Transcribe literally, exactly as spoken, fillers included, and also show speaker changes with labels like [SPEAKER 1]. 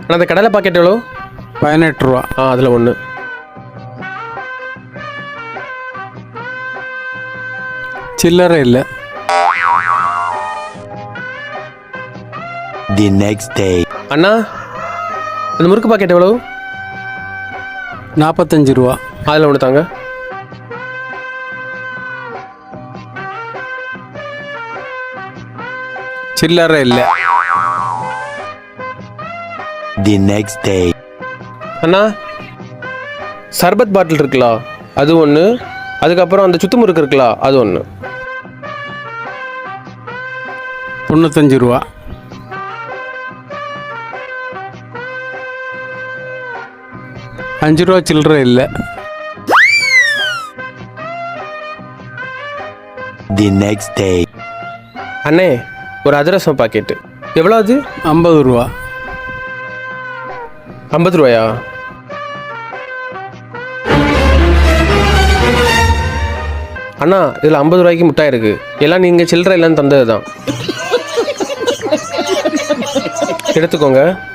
[SPEAKER 1] ஆனால் அந்த கடலை பாக்கெட் எவ்வளோ?
[SPEAKER 2] பதினெட்டு ரூபா.
[SPEAKER 1] ஆ அதில் ஒன்று.
[SPEAKER 2] சில்லறை இல்லை.
[SPEAKER 3] The next day.
[SPEAKER 1] அண்ணா அந்த முறுக்கு பாக்கெட் எவ்வளோ?
[SPEAKER 2] நாற்பத்தஞ்சு ரூபா.
[SPEAKER 1] அதில் ஒன்று தாங்க.
[SPEAKER 2] சில்லறை இல்லை.
[SPEAKER 3] The next day.
[SPEAKER 1] அண்ணா சர்பத் பாட்டில் இருக்குல்ல அது ஒன்று, அதுக்கப்புறம் அந்த சுத்து முறுக்கு இருக்குல்ல அது ஒன்று.
[SPEAKER 2] தொண்ணூத்தஞ்சு ரூபா. அஞ்சு ரூபா சில்லறை இல்லை.
[SPEAKER 3] The next day.
[SPEAKER 1] அண்ணே ஒரு அதிரசம் பாக்கெட்டு எவ்வளோ? அது
[SPEAKER 2] ஐம்பது ரூபா.
[SPEAKER 1] ஐம்பது ரூபாயா? அண்ணா இதில் ஐம்பது ரூபாய்க்கு முட்டாய் இருக்குது. எல்லாம் நீங்கள் சில்லறை இல்லைன்னு தந்தது தான். எடுத்துக்கோங்க.